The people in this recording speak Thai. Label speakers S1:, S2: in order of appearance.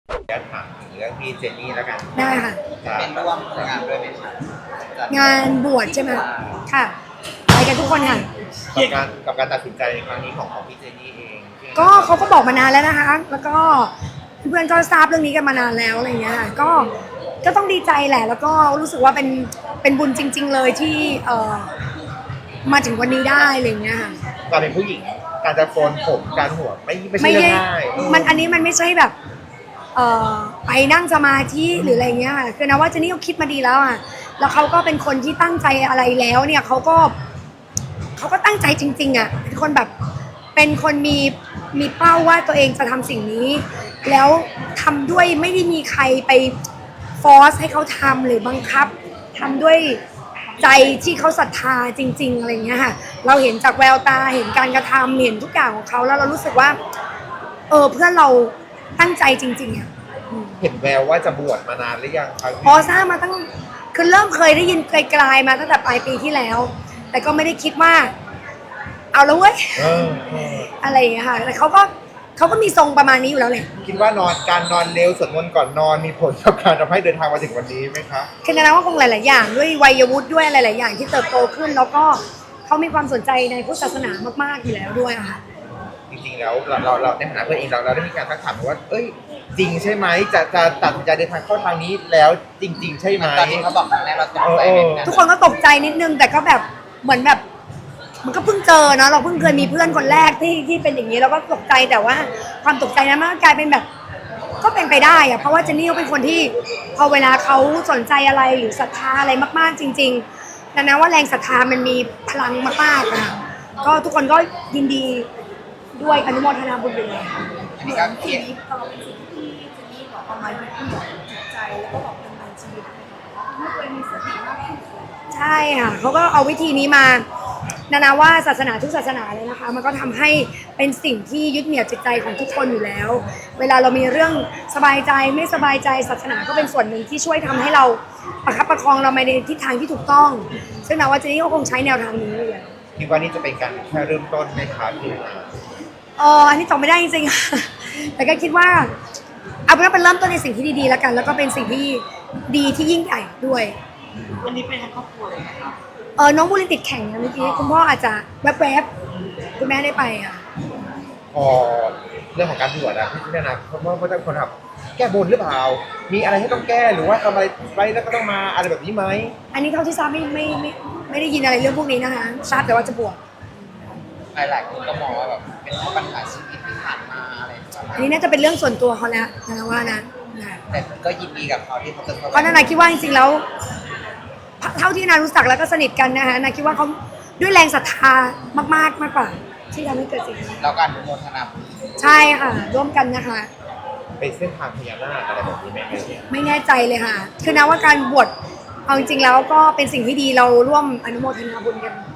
S1: จะถามถึงเรื่องพี่เจนนี่แล้วกัน
S2: ได้ค่ะ
S1: จะเป็นร่วมงานด้วยไหมคะ
S2: งานบวชใช่ไหมค่ะไปกันทุกคนค่ะ
S1: กับการตัดสินใจในครั้งนี้ของพี่เจนนี่เอง
S2: ก็เขาก็บอกมานานแล้วนะคะ แล้วก็เพื่อนก็ทราบเรื่องนี้กันมานานแล้วอะไรเงี้ยค่ะก็ต้องดีใจแหละ แล้วก็รู้สึกว่าเป็นบุญจริง ๆ เลยที่มาถึงวันนี้ได้อะไรเงี้ยค่ะ
S1: การเป็นผู้หญิงการจะโกนผมการหัวไม่ใช่เรื่องง่าย
S2: มันอันนี้มันไม่ใช่แบบไปนั่งสมาธิหรืออะไรเงี้ยค่ะคือนะว่าเจนนี่เขาคิดมาดีแล้วอ่ะแล้วเขาก็เป็นคนที่ตั้งใจอะไรแล้วเนี่ยเขาก็ตั้งใจจริงๆอ่ะเป็นคนแบบเป็นคนมีเป้าว่าตัวเองจะทำสิ่งนี้แล้วทำด้วยไม่ได้มีใครไปฟอร์สให้เขาทำหรือบังคับทำด้วยใจที่เขาศรัทธาจริงๆอะไรเงี้ยค่ะเราเห็นจากแววตาเห็นการกระทำเห็นทุกอย่างของเขาแล้วเรารู้สึกว่าเพื่อนเราตั้งใจจริงๆอ่ะ
S1: เห็นแววว่าจะบวชมานานหรือยังครับ
S2: พอทราบมาตั้งคือเริ่มเคยได้ยินไกลๆมาตั้งแต่ปลายปีที่แล้ว แต่ก็ไม่ได้คิดว่าเอาแล้วเว้ยอะไรอย่างเงี้ยค่ะแต่เขาก็มีทรงประมาณนี้อยู่แล้วแหละ
S1: คิดว่การนอนเร็วสวดมนต์ก่อนนอนมีผลกับการทำให้เดินทางมาถึงวันนี้ไหมคะ
S2: คือนะว่าคงหลายๆอย่างด้วยวัยวุฒิด้วยหลายๆอย่างที่เติบโตขึ้น แล้วก็เขามีความสนใจในพุทธศาสนามากๆอยู่แล้วด้วยค่ะ
S1: จริงๆแล้วเราในฐานะเพื่อนเองเราได้มีการทักถามว่าเอ้ยจริงใช่ไหมจะตัดสินใจเดินทางเข้าทางนี้แล้วจริง ๆ ใช่ไหมตอนนี้เขาบอกครั้งแรกเราตกใจไหม
S2: ทุกคนก็ตกใจนิดนึงแต่ก็แบบเหมือนแบบมันก็เพิ่งเจอเนาะเราเพิ่งเคยมีเพื่อนคนแรกที่เป็นอย่างนี้เราก็ตกใจแต่ว่าความตกใจนั้นมันก็กลายเป็นแบบก็เป็นไปได้อะเพราะว่าเจนนี่เขาเป็นคนที่พอเวลาเขาสนใจอะไรหรือศรัทธาอะไรมากๆจริงๆดังนั้นว่าแรงศรัทธามันมีพลังมากๆอะก็ทุกคนก็ยินดีด้วยอนุโมทนาบุญด้วย
S3: อันนี้ก็เขียนนี้เราเป็นสิ่งที่เจนนี่บอกเอามายึดเหนี่ยวจิตใจแล้วก็บอกดำเนินชีวิตให้ตัวเองมีสติมากขึ้น
S2: ใช่ค่ะเขาก็เอาวิธีนี้มานาว่าศาสนาทุกศาสนาเลยนะคะมันก็ทำให้เป็นสิ่งที่ยึดเหนี่ยวจิตใจของทุกคนอยู่แล้ว เวลาเรามีเรื่องสบายใจไม่สบายใจศาสนาก็เป็นส่วนหนึ่งที่ช่วยทำให้เราประคับประคองเราไปในทิศทางที่ถูกต้อง ซึ่งนาว่าเจนนี่ก็คงใช้แนวทางนี้เลย
S1: คิดว่านี่จะเป็นการแค่เริ่มต้นไหมคะพี่
S2: อันนี้ตอบไม่ได้จริงๆ แต่ก็คิดว่าเอาเป็นว่าเป็นเริ่มต้นในสิ่งที่ดีๆแล้วกัน แล้วก็เป็นสิ่งที่ดีที่ยิ่งใหญ่ด้วย
S3: วันนี้เป็นทั้งครอบครัวเลยครับ
S2: น้องบุรินติดแข่งนะเมื่อกี้คุณพ่ออาจจะแวบๆคุณแม่ได้ไปอ่ะ
S1: พอเรื่องของการบวชนะพี่นาเพราะว่าคนทำแก้บนหรือเปล่ามีอะไรให้ต้องแก้หรือว่าทำอะไรไปแล้วก็ต้องมาอะไรแบบนี้ไหม
S2: อันนี้เท่าที่ทราบไม่ได้ยินอะไรเรื่องพวกนี้นะคะทราบแต่ว่าจะบวช
S4: หลายๆคนก็มองว่าแบบเป็นเพราะปัญหาชีวิตที่ผ่านมาอะไรประมาณ
S2: อันนี้น่าจะเป็นเรื่องส่วนตัวเขาแล้วนะว่านะ
S4: แต่ก็ยินดีกับเขาที่เขาจะ
S2: เพราะนาคิดว่าจริงๆแล้วเท่าที่นารู้จักแล้วก็สนิทกันนะคะนาคิดว่าเขาด้วยแรงศรัทธามากๆมากกว่าที่ทำให้เกิดสิ่งนี้
S4: แล้วการอนุโมทนา
S2: ใช่ค่ะร่วมกันนะคะ
S1: เป็นเส้นทางพญานาคอะไรแบบนี้ไหมเนี่ย
S2: ไม่แน่ใจเลยค่ะ คือนะว่าการบวชเอาจริงๆแล้วก็เป็นสิ่งที่ดีเราร่วมอนุโมทนาบุญกัน